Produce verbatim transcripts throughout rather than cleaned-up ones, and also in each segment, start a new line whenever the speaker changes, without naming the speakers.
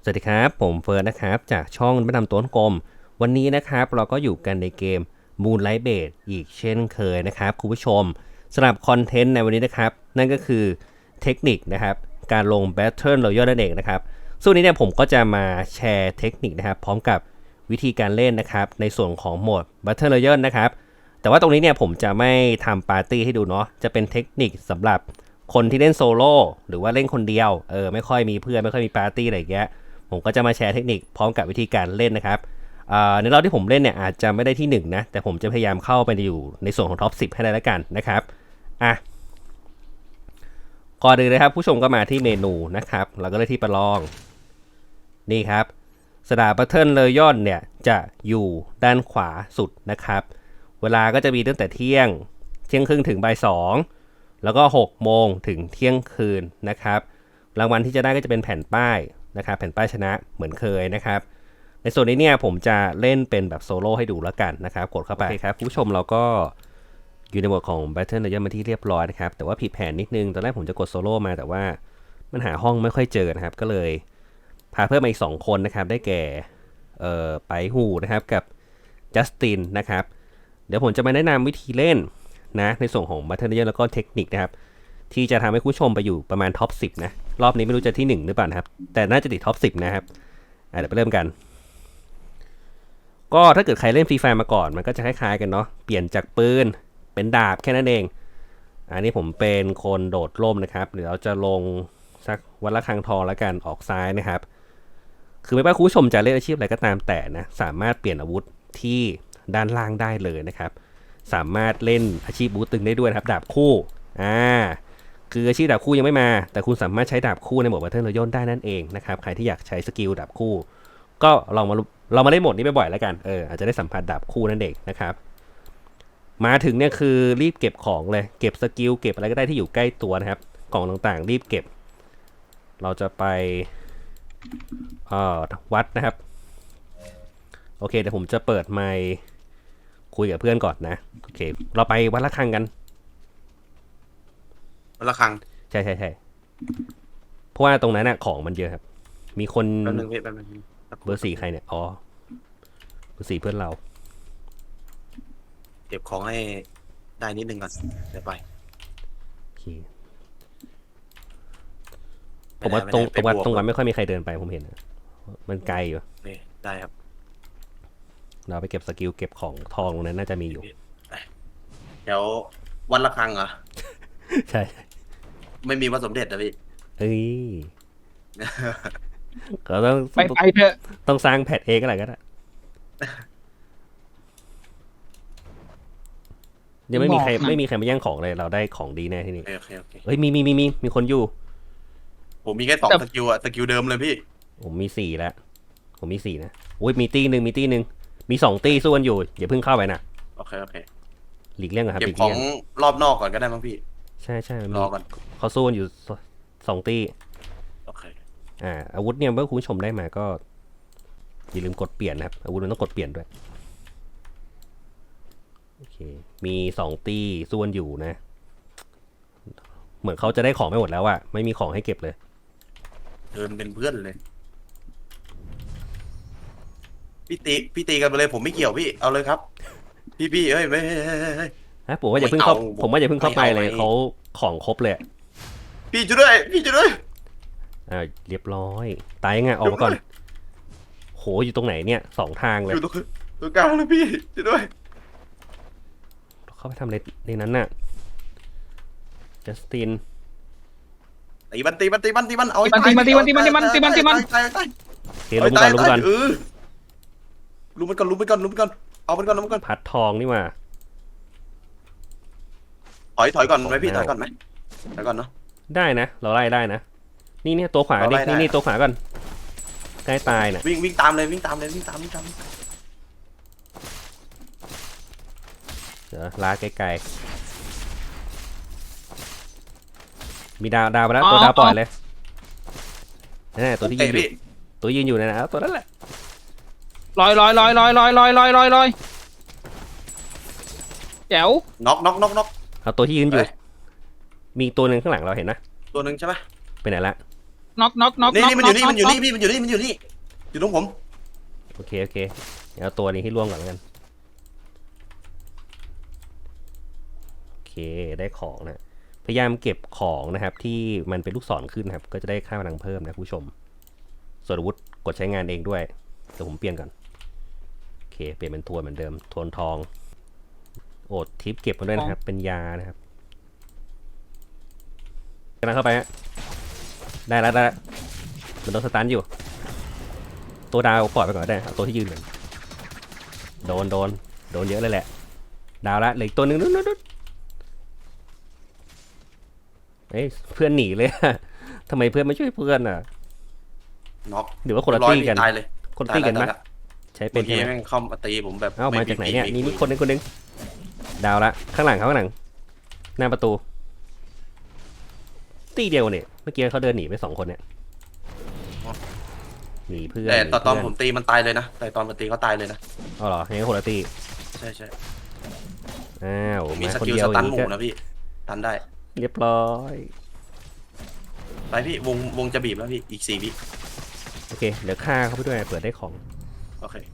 สวัสดีครับผมเฟิร์สนะครับจากช่องประดำต้นกลมวันนี้นะครับเราก็อยู่กันในเกม Moonlight Blade อีกเช่นเคยนะครับคุณผู้ชมสำหรับคอนเทนต์ในวันนี้นะครับนั่นก็คือเทคนิคนะครับการลง Battle Royale นั่นเองนะครับส่วนนี้เนี่ยผมก็จะมาแชร์เทคนิคนะครับพร้อมกับวิธีการเล่นนะครับในส่วนของโหมด Battle Royale นะครับแต่ว่าตรงนี้เนี่ยผมจะไม่ทำปาร์ตี้ให้ดูเนาะจะเป็นเทคนิคสำหรับคนที่เล่นโซโล่หรือว่าเล่นคนเดียวเออไม่ค่อยมีเพื่อนไม่ค่อยมีปาร์ตี้อะไรอย่างเงี้ยผมก็จะมาแชร์เทคนิคพร้อมกับวิธีการเล่นนะครับในรอบที่ผมเล่นเนี่ยอาจจะไม่ได้ที่หนึ่งนะแต่ผมจะพยายามเข้าไปอยู่ในส่วนของท็อปสิบให้ได้แล้วกันนะครับอ่ะก่อนอื่นเลยครับผู้ชมก็มาที่เมนูนะครับเราก็เลยที่ประลองนี่ครับสดาบัตเทิลเลยย่อนเนี่ยจะอยู่ด้านขวาสุดนะครับเวลาก็จะมีตั้งแต่เที่ยงเที่ยงครึ่งถึงบ่ายสองแล้วก็หกโมงถึงเที่ยงคืนนะครับรางวัลที่จะได้ก็จะเป็นแผ่นป้ายนะครับแผ่นป้ายชนะเหมือนเคยนะครับในส่วนนี้เนี่ยผมจะเล่นเป็นแบบโซโล่ให้ดูแล้วกันนะครับกดเข้าไปครับผู้ชมเราก็อยู่ในโหมดของ Battle Royale มาที่เรียบร้อยนะครับแต่ว่าผิดแผนนิดนึงตอนแรกผมจะกดโซโล่มาแต่ว่ามันหาห้องไม่ค่อยเจอนะครับก็เลยพาเพิ่มมาอีกสองคนนะครับได้แก่เอ่อไปหูนะครับกับจัสตินนะครับเดี๋ยวผมจะมาแนะนำวิธีเล่นนะในส่วนของ Battle Royale แล้วก็เทคนิคนะครับที่จะทำให้ผู้ชมไปอยู่ประมาณท็อปสิบนะรอบนี้ไม่รู้จะที่หนึ่งหรือเปล่านะครับแต่น่าจะติดท็อปสิบนะครับเดี๋ยวไปเริ่มกันก็ถ้าเกิดใครเล่นฟรีไฟมาก่อนมันก็จะคล้ายๆกันเนาะเปลี่ยนจากปืนเป็นดาบแค่นั้นเองอันนี้ผมเป็นคนโดดร่มนะครับเดี๋ยวเราจะลงสักวันละครั้งทองแล้วกันออกซ้ายนะครับคือไม่ว่าคุณผู้ชมจะเล่นอาชีพอะไรก็ตามแต่นะสามารถเปลี่ยนอาวุธที่ด้านล่างได้เลยนะครับสามารถเล่นอาชีพบูตึงได้ด้วยนะครับดาบคู่อ่าคืออาชีพดาบคู่ยังไม่มาแต่คุณสามารถใช้ดาบคู่ในโหมด Battle Royale ได้นั่นเองนะครับใครที่อยากใช้สกิลดาบคู่ก็ลองมาเรามาเล่นโหมดนี้บ่อยๆแล้วกันเอออาจจะได้สัมผัสดาบคู่นั่นเองนะครับมาถึงเนี่ยคือรีบเก็บของเลยเก็บสกิลเก็บอะไรก็ได้ที่อยู่ใกล้ตัวนะครับกล่องต่างๆรีบเก็บเราจะไปเอ่อวัดนะครับโอเคเดี๋ยวผมจะเปิดไมค์คุยกับเพื่อนก่อนนะโอเคเราไปวัดละครังกัน
วันละครั้ง
ใช่ใช่ใช่เพราะว่าตรงนั้นน่ะของมันเยอะครับมีคน
แป๊บนึงพี่แป๊บนึงสักค
เบ
รู่
อร์สี่ใครเนี่ยอ๋อเบอร์สี่เพื่อนเรา
เก็บของให้ได้นิดนึงก่อนเดี๋ยวไป
โอเคผมว่าตรงตรงวัดตรงวัดไม่ค่อยมีใครเดินไปผมเห็นนะมันไกลอยู่
นี่ได้ครับ
เราไปเก็บสกิลเก็บของทองตรงนั้นน่าจะมีอยู่
เดี๋ยววันละครั้งเหรอ
ใช่
ไม่มีวันสมเด็จนะพี่
เอ้ยก็ต้อง
ไปไปเถอะ
ต้องสร้างแพทเองก็แหละก็ได้ยังไม่มีใครไม่มีใครมาแย่งของเลยเราได้ของดีแน่ที่นี่
โอเคโอเค
เฮ้ยมีมีมีมีมีคนอยู่
ผมมีแค่สองสกิลอะสกิลเดิมเลยพี่
ผมมีสี่แล้วผมมีสี่นะโอ้ยมีตีหนึ่งมีตีหนึ่งมีสองตีสู้กันอยู่อย่าเพิ่งเข้าไปนะ
โอเคโอเค
หลีกเลี่ยงก่อนครับ
เก็
ห
บของ
ลีกเลี่ยง
รอบนอกก่อนก็ได้มั้งพี่
ใช่ใช่
รอก่อน
เขาสู้กันอยู่สองตี
โอเค
อ่าอาวุธเนี่ยเมื่อคุณผู้ชมได้มาก็อย่าลืมกดเปลี่ยนนะครับอาวุธมันต้องกดเปลี่ยนด้วยโอเคมีสองตีสู้กันอยู่นะเหมือนเขาจะได้ของไม่หมดแล้วอะไม่มีของให้เก็บเลย
เดินเป็นเพื่อนเลยพี่ตีพี่ตีกันไปเลยผมไม่เกี่ยวพี่เอาเลยครับพี่พี่เฮ้ยไม่
ฮะผมว่าอย่าเพิ่งเข้าผมว่าอย่าเพิ่งเข้าไปเลยเขาของครบเลย
พี่ช่วยด้วยพี่ช่วยด้วย
อ่าเรียบร้อยตายยังไงออกมาก่อนโหอยู่ตรงไหนเนี่ยสองทางเลย
อยู่ตรงตรงกลางเลยพี่ช่วยด้วย
เข้าไปทำอะไรในนั้นน่ะจัสติน
ตีมันตีมันตีมันตีมันเอา
ตีมันตีมันตีมันตีมันตีมันตีมันตีมัน
โอเคลุมก่อนลุมก่อน
ลุมมันก่อนลุมมันก่อนลุมมันก่อนเอามันก่อนลุมมันก่อน
พัดทองนี่มา
ถอยถอยก่อนไหมพี่ถอยก่อนไหมถอยก่อนเนาะ
ได้นะเราไล่ได้นะนี่เนี่ยตัวขวานี่นี่นี่ตัวขวาก่อนใกล้ตายน่ะ
วิ่งวิ่งตามเลยวิ่งตามเลยวิ่งตามวิ่งตาม
เดี๋ยวลาไกลๆมีดาวดาวไปแล้วตัวดาวปล่อยเลยนั่นแหละตัวที่ยืนอยู่ตัวยืนอยู่นั่นนะตัวนั้นแหละ
ลอยลอยลอยลอยลอยลอยลอยลอยลอยแจ๋ว
น็อกน็อกน็อกน็อก
เอาตัวที่ยืนอยู่มีตัวหนึ่งข้างหลังเราเห็นนะ
ตัวหนึ่งใช่ไหม
ไปไหนละ
น็อกน็อกน็อก
นี่
น็อก
นี่มันอยู่นี่มันอยู่นี่พี่มันอยู่นี่มันอยู่นี่อยู่ตรงผม
โอเคโอเคเดี๋ยวเอาตัวนี้ให้ล่วงก่อนแล้วกันโอเคได้ของนะพยายามเก็บของนะครับที่มันเป็นลูกศรขึ้นนะครับก็จะได้ค่าพลังเพิ่มนะผู้ชมส่วนอาวุธกดใช้งานเองด้วยเดี๋ยวผมเปลี่ยนก่อนโอเคเปลี่ยนเป็นทวนเหมือนเดิมทวนทองโอดทิปเก็บมาด้วยนะครับเป็นยานะครับกำลังเข้าไปฮะได้แล้วได้แล้วมันโดนสตันอยู่ตัวดาวปล่อยไปก่อนก็ได้เอาตัวที่ยืนก่อนโดนโดนโดนเยอะเลยแหละดาวละเหลืออีกตัวหนึ่งนู้นนู้นนู้นเอ้ยเพื่อนหนีเลยทำไมเพื่อนไม่ช่วยเพื่อนอ่ะ
น็อก
หรือว่าคนละ
ร้อย
ตี้กัน
ตายเลย
คนตี้กันไหม
ตายแล้ว
ใช้เป็
เมื่
น
อกี้
ใช่ไหม
แม่งเข้ามาตีผมแบบ
เอ้ามาจากไหนเนี่ย
ม่
นี่
คุ
นี่คนหนึงคนหนึงดาวละข้างหลังเขาข้างหลังหน้าประตูตีเดียวเนี่ยเมื่อกี้เขาเดินหนีไปสองคนเนี่ยหนีเพื่อน
แต่ตอนตอน
ห
ผม
เพื่
ตีมันตายเลยนะแต่ตอนมันตีเขาตายเลยนะ
เอาเหรอยังไงคนละตี
ใช่ใช่
อ้าว
ผมมี
มา
ส
คน
กิล
เดีย
ส
วอ
ตั
ย่าน ง
ห
นี้
มู่
ก็
นะพี่ตันได้
เรียบร้อย
ไปพี่วงวงจะบีบแล้วพี่อีกสี่วิ
โอเคเดี๋ยวฆ่าเขาไปด้วยเปิดได้ของ
โอเค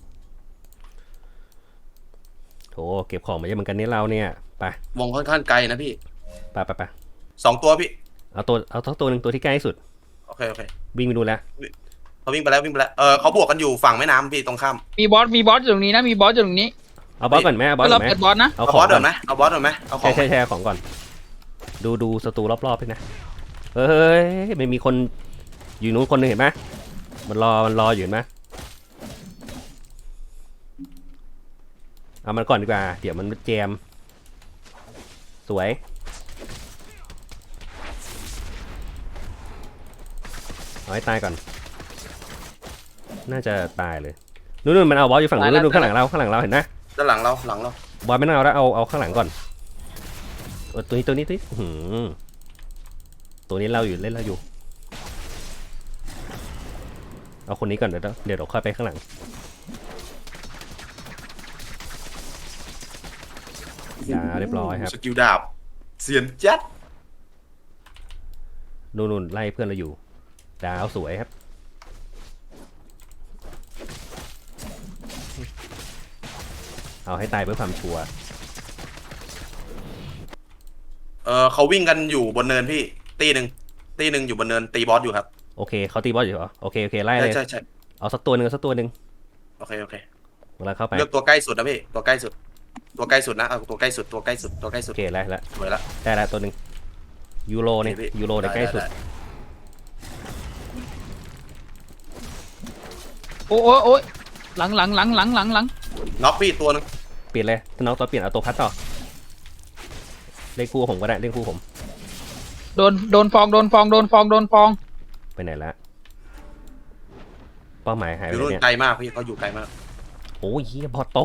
โถเก็บของมาเยอะเหมือนกันนี่เราเนี่ยไป
วงค่อนข้างไกลนะพี่
ไปไปไป
สองตัวพี่
เอาตัวเอาตัวตัวหนึ่งตัวที่ใกล้ที่สุด
โอเคโอเค
วิ่งไปดูแล้ว
เขาวิ่งไปแล้ววิ่งไปแล้วเออเขาบวกกันอยู่ฝั่งแม่น้ำพี่ตรงข้าม
มีบอสมีบอสอยู่ตรงนี้นะมีบอสอยู่ตรงนี้
เอาบอสก่อนไหมเอาบอส
เรา
ก่อนไหม
เปิดบอสนะ
เอา
เอา
ขอบ
อง ส
ก่
เดิ
อน
นไหมเอาบอสเดินไหมเอาขอ
ใช่
ง
ใช่ใช่เอาของก่อน ดูดูศัตรูรอบๆด้วยนะเฮ้ยมันมีคนอยู่นู้นคนหนึงเห็นไหมมันรอมันรออยู่เห็นไหมเอามันก่อนดีกว่าเดี๋ยวมันแจมสวยเอาให้ตายก่อนน่าจะตายเลยนู่นๆมันเอาบอสอยู่ฝั่งนู้นนู่นๆข้างหลังเราข้างหลังเราเห็นไหม
ด้านหลังเราหลังเรา
บอสไม่ต้องเอาแล้วเอาเอาข้างหลังก่อนเออตัวนี้ตัวนี้ตัวนี้อื้อหือตัวนี้เราอยู่เล่นเราอยู่เอาคนนี้ก่อนเดี๋ยวเดี๋ยวเราค่อยไปข้างหลังยาเรียบร้อยครับ
สกิลดาบเสียนจัด
นู่นๆไล่เพื่อนเราอยู่ดาวสวยครับเอาให้ตายเพื่อความชัวร์
เออเขาวิ่งกันอยู่บนเนินพี่ตีหนึ่งตีหนึ่งอยู่บนเนินตีบอสอยู่ครับ
โอเคเขาตีบอสอยู่เหรอโอเคโอเคไล่
ใช่
เลย
ใช่ใช่
เอาสักตัวหนึ่งเอาสักตัวหนึ่ง
โอเคโอเค
เวลาเข้าไป
เลือกตัวใกล้สุดนะพี่ตัวใกล้สุด ตัวใกล้สุดนะเอาตัวใกล้สุดตัวใกล้สุดตัวใกล้สุ
โอ
ด
เคไล่ละ
สวยละ
ได้ละตัวหนึ่งยูโรเนี่ย
พี่
ยูโรเนี่ยใกล้สุด
ไ
โอ้โอ้โอ้ยหลังหลังหลังหลังหลังหลัง
น็อกพี่ตัวนึง
เปลี่ยนเลยถ้าน้องตัวเปลี่ยนเอาตัวพัดต่อเล่นคู่ผมก็ได้เล่นคู่ผม
โดนโดนฟองโดนฟองโดนฟองโดนฟอง
ไปไหนละเป้าหมายหาย
อ
ไป
ยู่
ไหน
นู่น
เนี่ย
ไกลมากพี่เขาอยู่ไกลมาก
โอ้ยเฮียบอทตบ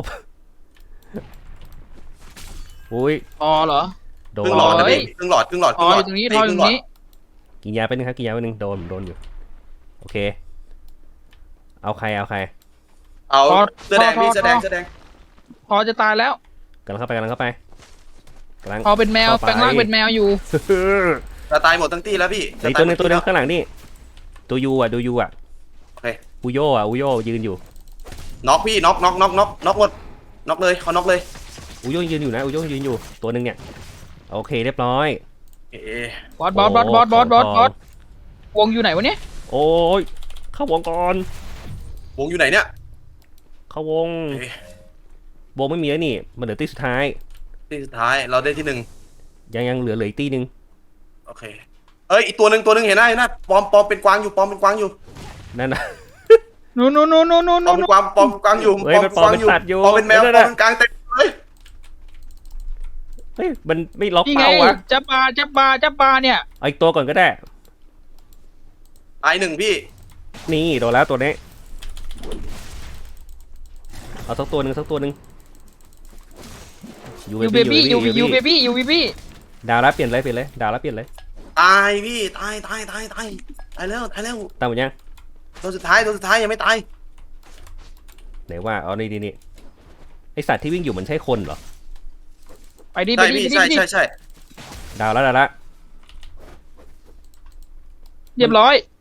อุ้ย
อ๋อเหรอ
โด
ครึ่งหลอดนะ
โอ้ย
พี่ครึ่งหลอดครึ่งหลอดค
อ๋
รึ่
อง
หล
อ
อด
ยู่ตรงนี้
ตี
ทออ
ค
ยู่
รึ่
ต
ง
ร
หลอด
งนี้
กินยาไปหนึ่งครับกินยาไปหนึ่งโดนโดนอยู่โอเคเอาใครเอาใคร
เอาเสื้อแดงพี่เสื้อแดงเสื้อแดง
พอจะตายแล้ว
กำลังเข้าไปกำลังเข้าไปกำลัง
พอเป็นแมว
เข้าไป
แปลงร่างเป็นแมวอยู่
จะตายหมดทั้งตีแล้วพี่
ไอ้ตัวหนึงตัวหนึงข้างหลังนี่ตัวยูอ่ะดูยูอ่ะ
โอเค
อุโยอ่ะอุโยยืนอยู่
น็อกพี่น็อกน็อกน็อกน็อกน็อกหมดน็อกเลยเขาน็อกเลย
อุโยยืนอยู่นะอุโยยืนอยู่ตัวหนึ่งเนี่ยโอเคเรียบร้อย
เอ๊ะ
บอสบอสบอสบอสบอสบอสบอสวงอยู่ไหนวะเนี่ย
โอ้ยเข้าวงก่อน
วงอยู่ไหนเนี่ย
เข้าวง
เอ๊ะ
วงไม่มีแล้วนี่มันเหลือตีสุดท้าย
ตีสุดท้ายเราได้ที่หนึ่ง
ยังยังเหลือเหลืออีกตีหนึ่ง
โอเคเอ้ยอีกตัวหนึ่งตัวหนึ่งเห็นไหมเห็นไหมปอมปอมเป็นกวางอยู่ปอมเป็นกวางอยู่
นั่นนะ
นู่นนู่นนู่นนู่นนู่น
ปอมเป็นกวางปอมเป็นกวางอยู่
เฮ้ยมันปอมเป็นสัตว์อยู่
ปอมเป็นแมว
นั่น
ปอ
น่ะ
มเป็นกลางเต็มเลย
เฮ้ยมันไม่ล็อก
นี่ไง
เป้าวะ
จับปลาจับปลาจับปลาเนี่ย
เอาอีกตัวก่อนก็ได้
ตายหนึ่งพี่
นี่โดนแล้วตัวนี้เอาสักตัวหนึ่งสักตัวหนึ่งยู
ยูเบบี้ยูยูเบบี้ยูเบบี้
ดาวแล้วเปลี่ยนเลยเปลี่ยนเลยดาวแล้วเปลี่ยนเลย
ตายพี่ตายตายตายตายตายแล้วตายแล้ว
ตามหมดยัง
ตัวสุดท้ายตัวสุดท้ายยังไม่ตาย
ไหนว่าเอานี่นี่นี่ไอสัตว์ที่วิ่งอยู่มันใช่คนเหรอ
ไปดิไป
ใช่
ดิ
พี่
ไปดิ
ใช่
ไปดิ
ใช่ใช่
ดาวแล้วดาวแล้ว
เรียบร้อย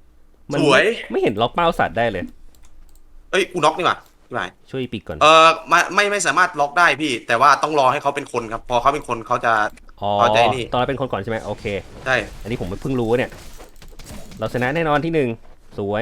มัน
สวย
ไม่เห็นล็อกเป้าสัตว์ได้เลย
เอ้ยกูน็อกนี่หว่าพี่หมาย
ช่วยปีกก่อน
เออไม่ไม่ไม่สามารถล็อกได้พี่ แต่ว่าต้องรอให้เขาเป็นคนครับ พอเขาเป็นคนเขาจะ
อ๋อ
เอาใจนี่
ตอนเราเป็นคนก่อนใช่ไหมโอเค
ใช่
อันนี้ผมเพิ่งรู้เนี่ย เราชนะแน่นอนที่หนึ่งสวย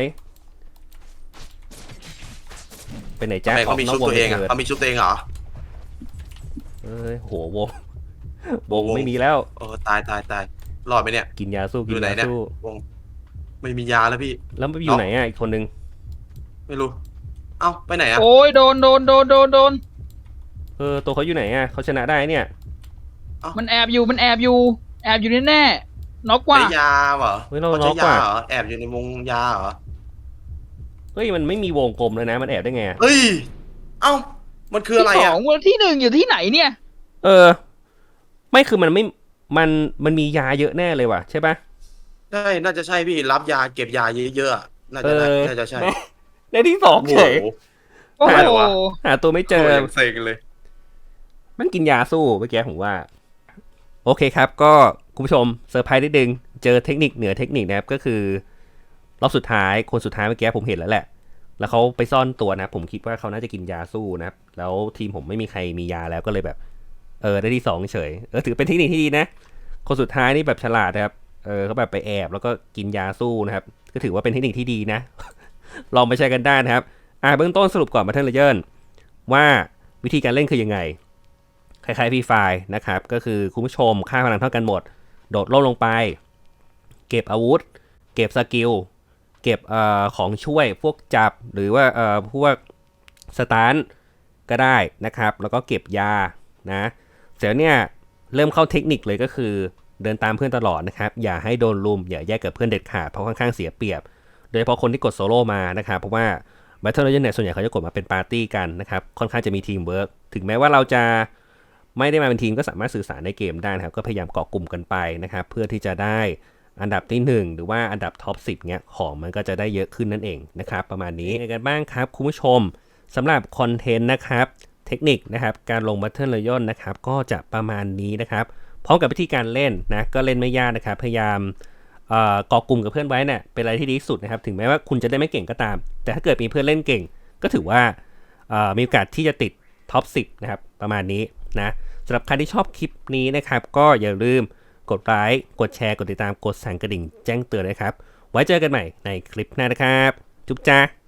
เป็นไหน
ทำ
จ้า
ไมเขามีชุดตัวเองอ่ะ
เกิด
เขามีชุดตัวเองเหรอ
เอ้ยโหวงวงไม่มีแล้ว
เออตายตายตายรอดไหมเนี่ย
กินยาสู้
อ
กิน
ยู่ไหน
ยา
เนี่ย
สู้
วงไม่มียาแล้วพี่
แล้วมันไปอยู่ไหนอ่ะอีกคนนึง
ไม่รู้ เอ้าไปไหนอ่ะ
โอ้ยโดนโดนโดนโดนโดน
เออตัวเขาอยู่ไหนอ่ะเขาชนะได้เนี่ย
มันแอบอยู่มันแอบอยู่ แอบอยู่แน่แน่ๆน็อกกว่า
ใช้ยาเหรอ
เฮ้ยเรา
เขา
ล็
ใช้
อก
ยา
ว่ะ
เหรอแอบอยู่ในวงยาเหรอ
เฮ้ยมันไม่มีวงกลมเลยนะมันแอบได้ไงอะ
เฮ้ยเอ้ามันคืออะไร
ที่สอ
อ่ะ
งวันที่หนึ่งอยู่ที่ไหนเนี่ย
เออ ไม่คือมันไม่มันมันมียาเยอะแน่เลยว่ะใช่ปะ
ใช่น่าจะใช่พี่รับยาเก็บยาเยอะๆอะน่า
เอ
จะได้
อ
น่าจะใช่
ได้ได้ที่สอง
โอ้โห
เฉย
โอ้
หา
โห
หาตัวไม่เจอ
โคตรเซ็งเลย
มันกินยาสู้เมื่อกี้ผมว่า โอเคครับ ก็คุณผู้ชมเซอร์ไพรส์นิดนึงเจอเทคนิคเหนือเทคนิคนะครับก็คือรอบสุดท้ายคนสุดท้ายเมื่อกี้ผมเห็นแล้วแหละ แล้วเขาไปซ่อนตัวนะ ผมคิดว่าเขาน่าจะกินยาสู้นะครับ แล้วทีมผมไม่มีใครมียาแล้วก็เลยแบบ เออได้ที่สองเฉยเออถือเป็นเทคนิคที่ดีนะ คนสุดท้ายนี่แบบฉลาดนะครับเออเขาแบบไปแอบแล้วก็กินยาสู้นะครับก็ถือว่าเป็นเทคนิคที่ดีนะ ลองไปใช้กันได้นะครับอ่าเบื้องต้นสรุปก่อนมาเทนเลเยอร์ว่าวิธีการเล่นคือยังไง คล้ายๆฟรีไฟล์นะครับก็คือคุณผู้ชมค่าพลังเท่ากันหมด โดดร่มลงไป เก็บอาวุธ เก็บสกิลเก็บเอ่อของช่วยพวกจับหรือว่าเอ่อพวกสตาร์ทก็ได้นะครับ แล้วก็เก็บยานะเสร็จเนี่ยเริ่มเข้าเทคนิคเลยก็คือเดินตามเพื่อนตลอดนะครับอย่าให้โดนลุมอย่าแยกกับเพื่อนเด็ดขาดเพราะค่อนข้างเสียเปรียบ โดยเฉพาะคนที่กดโซโล่มานะครับเพราะว่า Battle Royale เนี่ยส่วนใหญ่เขาจะกดมาเป็นปาร์ตี้กันนะครับค่อนข้างจะมีทีมเวิร์กถึงแม้ว่าเราจะไม่ได้มาเป็นทีมก็สามารถสื่อสารในเกมได้นะครับก็พยายามเกาะกลุ่มกันไปนะครับเพื่อที่จะได้อันดับที่หนึ่งหรือว่าอันดับท็อปสิบเนี้ยของมันก็จะได้เยอะขึ้นนั่นเองนะครับประมาณนี้ยังไงกันบ้างครับคุณผู้ชมสำหรับคอนเทนต์นะครับเทคนิคนะครับการลง Battle Royale นะครับก็จะประมาณนี้นะครับพร้อมกับวิธีการเล่นนะก็เล่นไม่ยากนะครับพยายามเอ่อก่อกลุ่มกับเพื่อนไว้เนี่ยเป็นอะไรที่ดีที่สุดนะครับถึงแม้ว่าคุณจะได้ไม่เก่งก็ตาม แต่ถ้าเกิดมีเพื่อนเล่นเก่งก็ถือว่าเอ่อมีโอกาสที่จะติดท็อปสิบนะครับประมาณนี้นะสำหรับใครที่ชอบคลิปนี้นะครับก็อย่าลืมกดไลค์กดแชร์กดติดตามกดสั่นกระดิ่งแจ้งเตือนนะครับไว้เจอกันใหม่ในคลิปหน้านะครับจุ๊บจ้า